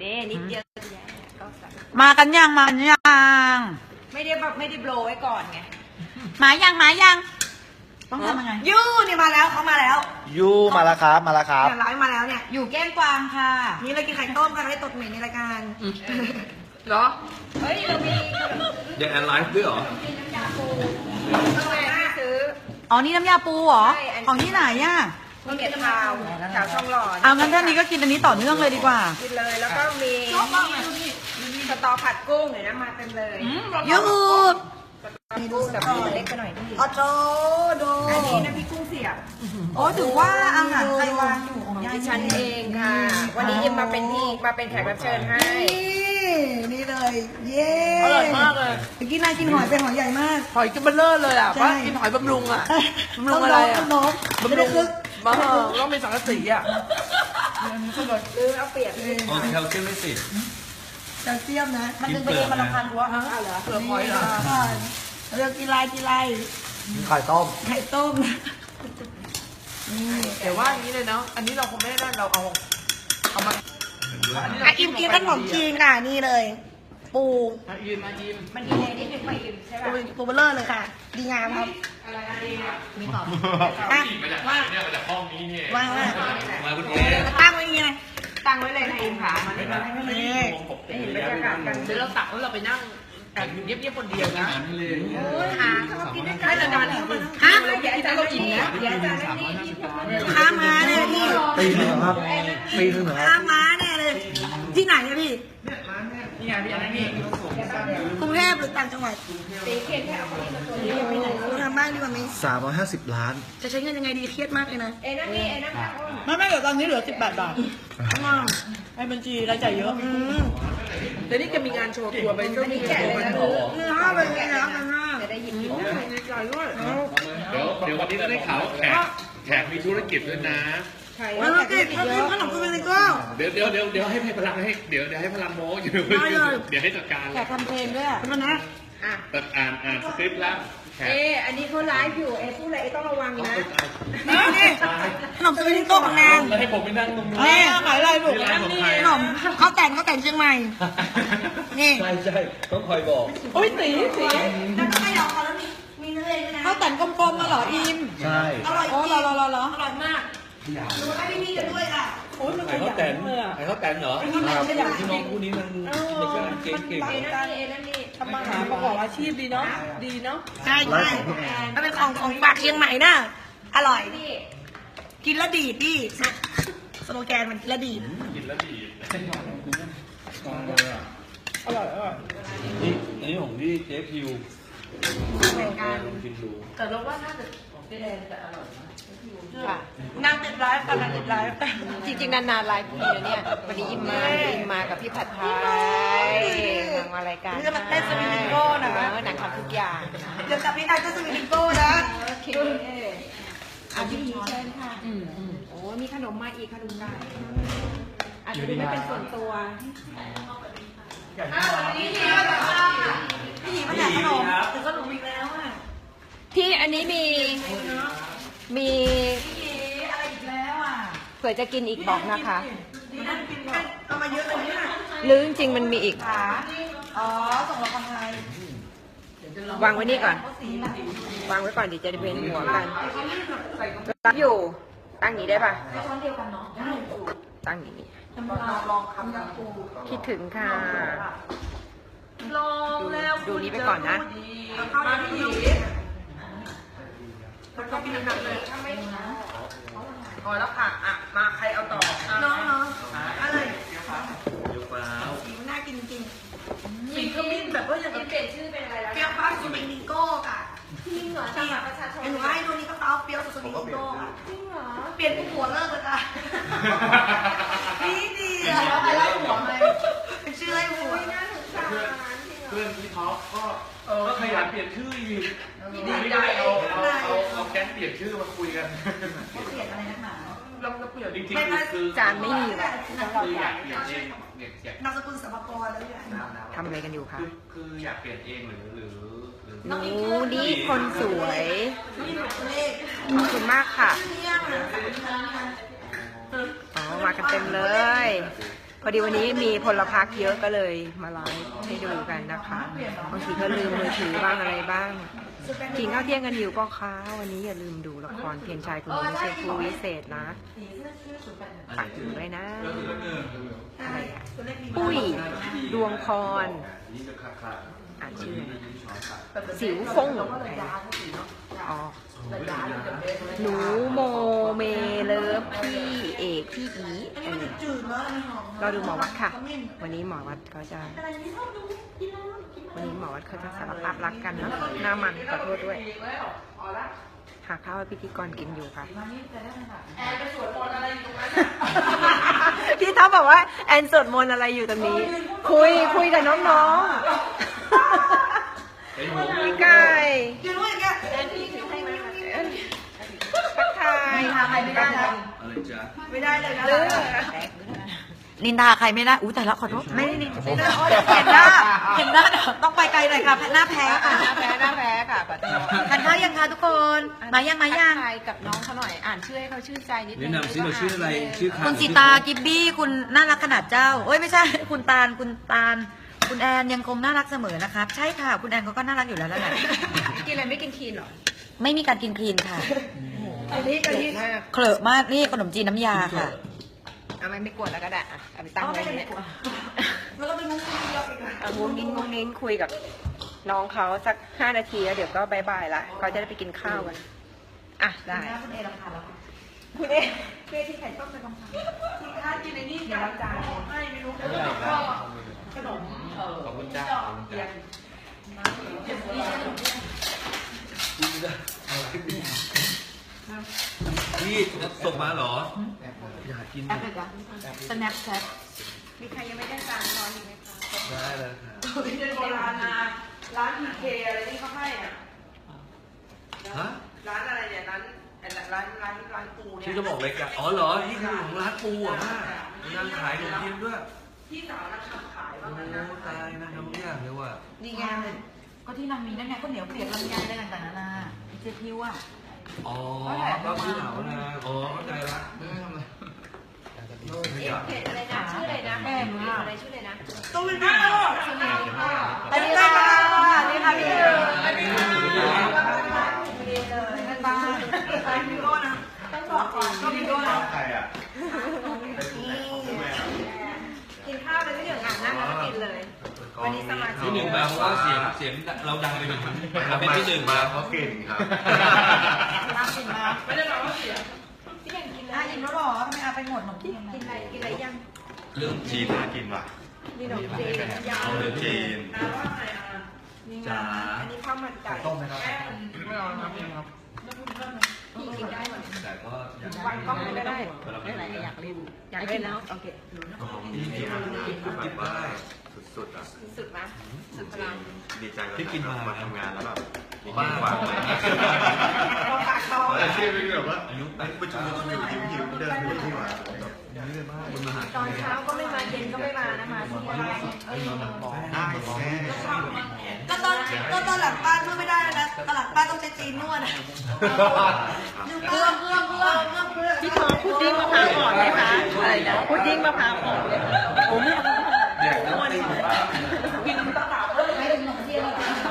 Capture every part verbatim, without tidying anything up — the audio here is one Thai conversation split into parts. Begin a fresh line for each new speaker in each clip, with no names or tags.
ด้นิดเดียวก็ใส่
มากันยังมากันยัง
ไม่ได้แบบไม่ได้โบรไว้ก่อนไง
มายังมายังต้องทำยังไง
ยูนี่มาแล้วเขามาแล้ว
ยูมาแล้วครับมาแล้วครับ
เนี่ยร้อยมาแล้วเนี่ย
อยู่แก้มกวางค่ะ
นี่เรากินไข่ต้มกันไม่ตดเหม็นในรายการ
เหรอ
เฮ้ยเรามี
ยังแอนไลฟ์ด้วยเหรอ
ต้องไปซื้อ
อ๋อนี่น้ำยาปูเหรอของที่ไหนอ่ะ
มีเก็ดขาวขาวช่องหลอด
เอางั้นท่านนี้ก็กินอันนี้ต่อเนื่องเลยดีกว่า
กินเลยแล้วก็มีสตอผัดกุ้งเดี๋ยวนะมาเต็มเลย
ยูด
มีดูสตอเล็กไปหน่อยพี่
อ๋อโจโด
อันนี้นะพี่กุ้งเสียบ
โอ้ถือว่าอาหารไทยวางอยู่ของ
ดิฉันเองค่ะวันนี้อิมมาเป็นที่มาเป็นแขกรับเชิญให้
นี่เลยเย้
อร่อยมากเลย
เมื่อกี้นายกินหอยเป็นหอยใหญ่มาก
หอยกินเบลเลอร์เลยอ่ะว่ากินหอยบำรุงอ่ะบำรุงอะไรอ่ะ
บำรุง
มาต้องมีสังกะสีอ่ะ
หรือเอาเปียก
โอ้แคลเซียมไม่สิ
แคลเซียมนะมันดึงไปเองมันรำคาญหัวฮะ
เหรอ
เปลือกหอยเหรอ
เรื่องกินไรกินไร
ไข่ต้ม
ไข่ต้ม
แต่ว่าอย่างนี้เลยเนาะอันนี้เราคงไม่ได้เราเอาเอามา
อ่ะอิมกินขนมจีนค่ะนี่เลยปู
มาอิมมาอิม
มันดีเลยนิดนึงไปอิมใช่ป่ะ
ปูเบลเลอร์เลยค่ะดีงามครับ
อะไรอะไรอ่ะ
มีของ
อ่ะว่าเนี่ยมาจากห้องนี้เนี่ย
ว่างว่า
มาคุณเอ
ตั้งไว้ยังไง
ตั้งไว้เลยนะอิมค่ะมันไม่ได้ไม่ได้บรรยากาศกัน
เดี๋ยวเราตักแล้วเราไปนั่งเงียบๆคนเดียวนะ
โอ้ยหาเขากินด้วยกันแต่นานฮะเดี๋ยวอาจารย์เรากินนะเดี๋ยวอาจารย์นั่นนี่
ข้ามาเนี่ยพี่
ปีนึงครับปีนึงครับ
ข้ามาเนี่ยเลยที่ไหนเนี่ยพี่
นี่ไงพี่อันนี้
กรุงเทพหรือต่างจังหวัด
ตีเคนแค่เอาคนนี้มาตัวนี้
ไปไหนทำบ้างดีกว่าไหม
สามร้อยห้าสิบล้าน
จะใช้เงินยังไงดีเครียดมากเลยนะ
เอ็นั่นนี่เอ็นั่น
ไม่ไม่เดี๋ยวตอนนี้เหลือสิบแปดบาทให้บัญชีรายจ่ายเยอะ
แต่นี่จะมีงานโชว์ตัวไปเจ้าหนี้แก่เลยนะ
เนื้อห้าเป็นไงนะกันห้า
จะได้หยิบกิน
ดีใจด้วย
เดี๋ยวเดี๋ยววันนี้จะได้ข่าวแขกแขกมีธุรกิจด้วยนะ
ธุรกิจเขากินขนมกุมิโก้
เดี๋ยวเดี๋ยวเดี๋ยวเดี๋ยวให้พลังให้เดี๋ยวเดี๋ยวให้พลังโม้อยู่เดี๋ยวให้จัดการ
แขกทำเพลงด้วยอ่ะนะ
อ่ะ
อ่านอ่านสคริปต์แล้ว
เออันนี้เขาไลฟ์อยู่เอพูดอะไรต้องระวังนะ
นี่นี่ขนมกุมิโก้ของนาง
แล้วให้ผมไปนั่งตรงนี้
นี่ขายอะไรลูกนี่ขนมเขาแต่งเขาแต่งเชียงใหม่นี่
ใช่ใช่ต้องคอยบอก
โอ้ยสีสี
แล้วก็ไม่หรอกแล้วมีมีเนื้อเลยนะเขาแต่งกลมๆมาเหรออิม
ใช่
อร่อยจริงอร่อยอร่อยอร่อยมากดูให้พี่ๆกันด้วยค่ะ
โอ้ยมันไข่เขาแตนไข่เขาแตนเหรอที่น้องคู่นี้มันมันเก่งเก่ง
เอนั่นนี่เอนั่นนี่
ทำมาหาประกอบอาชีพดีเนาะดีเนาะ
ใช่ใช่มันเป็นของของฝากเชียงใหม่นะอร่อยกินแล้วดีพี่สโลแกนมันกินแล้วดี
กินแล้วดี
อร่อยอร่อย
นี่อันนี้ของพี่เจ๊พิว
เหมือนกัน
กินดู
แต่เราว่าน่าจะเจ๊แดงจะอร่อยนะ
นางติดไลฟ์กันนางติดไลฟ์
จริงๆนานๆไลฟ์ทีเดียวเนี่ยวันนี้อิมมาอิมมากับพี่ผัดไทยนางมารายการ
นี่จะมาเต้นสวิงโก้นะ
นางทำทุกอย่าง
เดี๋ยวกับพี่ไอ้ก็สวิงโก้นะ
โอเคอาพี่เชิญค่ะโอ้มีขนมมาอีกขนมไก่อาจจะดูไม่เป็นส่วนตัว
พี่หยีมาจากพี่หยีมาจากขนมถึงขนมอีกแล้วอ่ะ
ที่อันนี้มีมี
อะไรอีกแล้วอ่ะ
เผื่อจะกินอีกบอกนะคะ
เอามาเยอะเลยเนี่ย
หรือจริงๆมันมีอีก
อ๋อส่งมาคนไทยว
างไว้นี่ก่อนวางไว้ก่อนเดี๋ยวจะได้เป็นหัวกันรับอยู่ตั้งนี้ได้ป่ะตั้งนี้คิดถึงค่ะ
ลองแล้ว
ดูนี้ไปก่อนนะ
มาพี่หยีแล้วก็พี่นักเลย
พอแล้วค่ะอ่ะมาใครเอาต่อ
น้องน้องอะไร
เยอะเปล่า
สีมันน่ากินจริง
สีขมิ้นแบบว่ายัง
เปลี่ยนชื่อเป็นอะไรแล้ว
เปียวฟ้าสุดมิงโก้ค่ะ
จริงเหรอสมัครประชาชน
หนูให้ดูนี่ก็เต้าเปียวสุดมิงโก้ค่ะ
จริงเหรอ
เปลี่ยนผู้ผัวเลิกเลยค่ะดีดีอ่ะ
ไปไล่หัวไหม
เป็นชื่อไล่ผัว
เพื่อนพี่ท็อปก็
เออขยันเปลี่ยนชื่ออีก
ดีใจเอาเอาเอาเอาแก๊งเปลี่ยนชื่อมาคุยกัน
เปลี่ยนอะไรนักหนา
เราจะเปลี่ยน
จริงๆคือ
จานไม่มีหรอก
คืออยากเปลี่ยนเองอยาก
นามสกุลสัมภาระแล้วอย่าง
ทำอะไรกันอยู่คะ
คืออยากเปลี่ยนเองหรือหรือ
หนูดีคนสวยขอบคุณมากค่ะอ๋อมากันเต็มเลยพอดีวันนี้มีพลพรรคเยอะก็เลยมาไลฟ์ให้ดูกันนะคะบางทีก็ลืมมือถือบ้างอะไรบ้างกินข้าวเที่ยงกันอยู่ก็ค้าวันนี้อย่าลืมดูละครเพียงชายคนนี้ไม่ใช่ผู้วิเศษนะฝากถึงเลยนะอะไรอะปุ้ยดวงพรอ่านชื่อสิวฟงอ๋อหนูโมเมเลิฟพี่เอกพี่อีเออเราดูหมอวัดค่ะ วันนี้หมอวัดเขาจะวันนี้หมอวัดเขาจะสารภาพรักกันเนาะหน้ามันขอโทษด้วยหาข้าวให้พิธีกรกินอยู่ค่ะพี่ท็อปบอกว่าแอนสวดมนต์อะไรอยู่ตรงนี้ คุยคุยกับน้องๆพี่ไก่
กินด้วยอย่างเงี้ย
ทักทายทำอะไรไม่ได้
อะไรจ๊ะ
ไม่ได้เลยนะ
เลือ
นินทาใครไม่ได้อุ้ยแต่ละขอโทษ
ไม่ได้นิน
เห็นหน้าเห็นหน้าเดี๋ยวต้องไปไกลหน่อยค่ะหน้าแพ้ค่ะ
หน้าแพ้หน้าแพ้ค่ะปัตตา
ทานข้าวยังคะทุกคนมายังมายัง
ทายกับน้องเขาหน่อยอ่านชื่อให้เขาชื่นใจนิดนึ
แนะ
ง
นำซิเราชื่ออะไรชื่อใคร
คุณสีตากิบบี้คุณน่ารักขนาดเจ้าเอ้ยไม่ใช่ คุณตาลคุณตาลคุณแอนยังคงน่ารักเสมอนะครับใช่ค่ะคุณแอนเขาก็น่ารักอยู่แล้วแล้วแหละ
กินอะไรไม่กินคีนหรอ
ไม่มีการกินคลีนค่ะ
อันนี้กะทิมาก
เคลอะมากนี่ขนมจีนน้ำยาค่ะ
เอาไม่ไม่กวดแล้วก็ได้อ่ะเอาไปตั้งไว้เนี่ย
แล้วก็เป็นมุ้งมิ้งเยอะอีก
เอางุ้งนิ้งงุ้งนิ้งคุยกับน้องเขาสักห้านาทีแล้วเดี๋ยวก็บายบายละเขาจะได้ไปกินข้าวกันอ่ะได้
คุณเอราคาแล้ว
คุณเอเพื่อที่ไข่ต้มไปกำพัง
ถ้ากินในนี่จะจานให้ไม่รู้ขนมเออ
ขอบคุณจ้าขอบคุณจ้า
พี่ส่งมาเหรอ อยากกิน
แอปเลยจ้ะสแนปแชท
มีใครยังไม่ได้จานช้อนอีกไหมคะ
ได้เลยค่ะ
ไม่ใช่โบราณนะร้านพีเคอะไรที่เขาให้อ่ะ
ฮะ
ร้านอะไรเนี่ยร้านร้านร้านร้านปูเนี่ย
ที่จะบอกเลยกันอ๋อเหรอ นี่คือของร้านปูอ่ะป้านั่งขายขนมจีนด้วย
ที่สาวนักขับขาย
โอ้
บ้างนะ
ตายนะทำทุกอย่างเลยว่ะ
นี่ไง
ก็ที่นางมีนั่นไงก็เหนียวเปียกลำไยอะไรต่างๆนานาเจพิวอ่ะ
อ๋อก็พี่เหนานะอ๋อเข้าใจละ
เอ๊ะเพจอะไรนะชื่ออะไรนะแม่อะไรชื่ออะไรนะ
ตู้เป็นพี่ก็
สวัสดีค่ะ
สวัสดีค่ะนี่ค่ะพี่
ไม่มีเลยนั่นบ้าใครพี่ก็นะต้องบอกก่อนก็พี่ก็นะ
ใครอ่ะ
กินข้าวเลยพี่เหลืองอ่านนั่งแล้วก็กินเลย วันนี้สมาชิก
ที่หนึ่งมาเพราะว่าเสียงเสียงเราดังไปถึงเราเป็นที่หนึ่ง
มา
มา
เพราะกลิ่นครับ
น้ำกินมา
ไม่ได้บอกว่าเสีย
พี่ยังกินเล
อ่ะ
ย
อิ่มแล้วหรอทำไมอาไปหมดหนมจีน
กินอะไรกินอะไรยัง
เรื่อง
จีนน่ากินว่ะ
มีขนมจีนยาว
เรื่องจีน
นะว่าไงอ่ะ
นี่ไงอันนี้ข้าวมันไก่
ต้มไหมครับ
ไม่เอาครับไม่เอาครับ
พี่กินได้หมด
แต่ก็อยาก
วางกล้องไม่ได้
ไม่เป็นไรอยากเล่น
อยากเล่นแล้วโอเค
พี่กินกินกินได้
สุดๆอ่ะ
สุดไหมสุดพลัง
ดีใจ
ที่กินมา
มาทำงานแล้วแบบมี
บ้า
ความหวัง
เราฝากเขา
แต่ที่ไม่แบบว่า
อายุ
ไอ้ประชุมหิวหิวหิวเดินไปที่หว่า
นี่เลยมากคนมาหา
ตอนเช้าก็ไม่มาเย็นก็ไม่มานะมาที่บ้านเออ
ได้แม่
ก็ตอนก็ตอนหลังบ้านนวดไม่ได้นะตอนหลังบ้านต้องใช้จีนนวดนะเพื่อเพื่อเพื่อเพื่อเพื่อ
พี่ทองพุดดิ้งมะพร้าวอ่อนไหมคะอะไรนะพุดดิ้งมะพร้าวอ่อนเลยค่ะโอ้ไม่เอา
อยากนวด
กินตะขาบเลยไม่ได้ขนมเทียน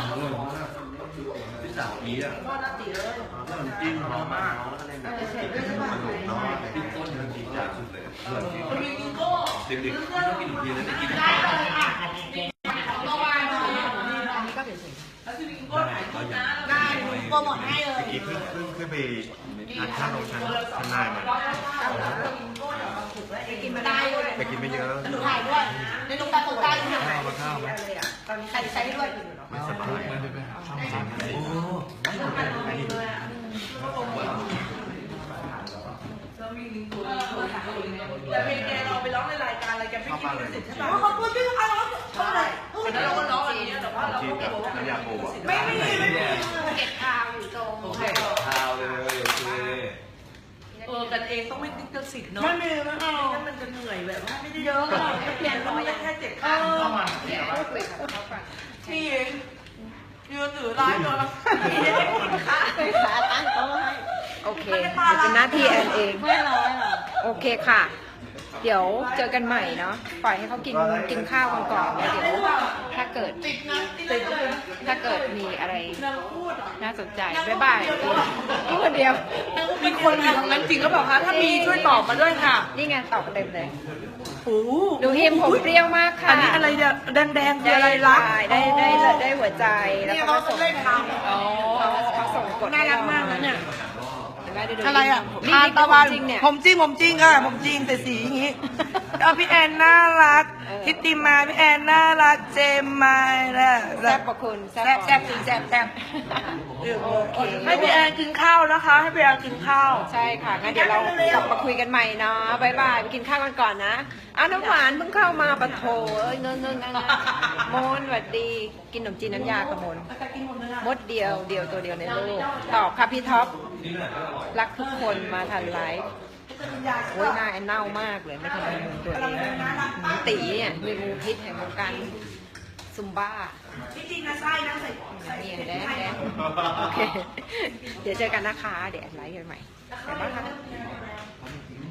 พี่สาวอีอ่ะ
นวดน่าตีเลย
จิ้มหอมมากเล่นแบบสนุกเนาะ
พี่ต้นมันดีจังสุดเลย
มันมีวิโก้
เด็กๆไม่ต้องกินขนมจีนแล้วได้กิน
ได้เลยค่ะเมื่อวานนี้
อันนี้ก็เฉย
แล้วที่วิโก้ถ่ายรูปนะได้โปรโมทให้เลย
เมื่อกี้เพิ่งเพิ่งขึ้นไปทานข้าวลงชั้นชั้นนายมา
ไปกินมาได้ด้วย
ไปกินไม่เยอะ
หนูถ่ายด้วยในตรงกลางตรงกลางที่
ข้าวมาข้าวไหม
ๆเลยอ่ะตอนนี้
ใส่ใส่ด้วย
ไม่สบายจริงจริง
โอ้
แต่เพลงแกเราไปร้องในรายการอะไรแกไม่กินลิขสิทธิ์ใช่ป่ะเขาพูดชื่อเขาเขาเลยแล้วเราก็ร้องอะไรเงี้ยแต่ว่าเรา
ที่
ก็
แบ
เก็
บบ น้ำยาปูอ่ะ
ไม่ไม่มีไม่มี
เก็บข้าวอยู่ตรง
โอเคข้าวเลยโอเค
เออกันเองต้องไม่ติดลิขสิทธิ์เนาะไม่มีไม่เอาไม่งั้นมันจะเหนื่อยแบบว่าไม่ได้เยอะเปลี่ยนร้อยแค่เจ็ดพัน
พูดคุยกับเขาก่อน
พี่เองยืนถือร้านเลยพี่ได้กินข้าว
ไปขาตั้งโต๊ะให้โอเคเป็นหน้าที่แอนเอง
ไม่ร้อยหรอ
โอเคค่ะเดี๋ยวเจอกันใหม่เนาะปล่อยให้เขากินกินข้าวกันก่อนแล้วเดี๋ยวถ้าเกิดถ้าเกิดมีอะไรน่าสนใจบ๊ายบายพูดคนเดียว
มีคนอยู่ทางนั้นจริงก็บอกคะถ้ามีช่วยตอบมาด้วยค่ะ
นี่ไงตอบเต็มเลย
โอ้โห
ดูเฮมผมเปรี้ยวมากค่ะ
อันนี้อะไรเนี่ยแดงๆคืออะไรรัก
ได้ได้ได้ได้หัวใจแล้ว
นี่
เขา
เขา
ก็ส่ง
เล่นทางอ๋อ
เขาส่งกด
น่ารักมากนะเนี่ย
ได้ดู
อะไรอ่ะ
นี่
ทาน
นี่
ตะวัน
จริงเนี่ย
ผมจริงผมจริงค่ะผมจริงแต่สีอย่างงี้เอาพี่แอนน่ารัก
เออ
ทิติมาพี่แอนน่ารักเจมมาแล้ว
แซ่บกว่าคุณแซ่
แซ่
บบ กว่า
แซ่บจริงแซ่บแซ่บ
โอเค
ให้พี่แอนกินข้าวนะคะ ให้พี่แอนกินข้าว
ใช่ค่ะงั้นเดี๋ยวเรากลับมาคุยกันใหม่เนาะบายบายไปกินข้าวกันก่อนนะอ้าวน้ำหวานเพิ่งเข้ามาปะโถเอ้ยเงินเงินเงินมนสวัสดีกินขนมจีนน้ำยากระมนมดเดียวเดียวตัวเดียวในโลกตอบค่ะพี่ท็อปรักทุกคนมาทันไลฟ์โอ้ยหน้าแอนเน่ามากเลยไม่ทันมุมตัวเองตีเนี่ยมีงูพิษแห่งวงการซุมบ้า
จริงๆนะไส้นะใส่
นี่แดนแดนโอเค เดี๋ยวเจอกันนะคะ เดี๋ยวแอดไลฟ์กันใหม่บ๊ายบายค่ะ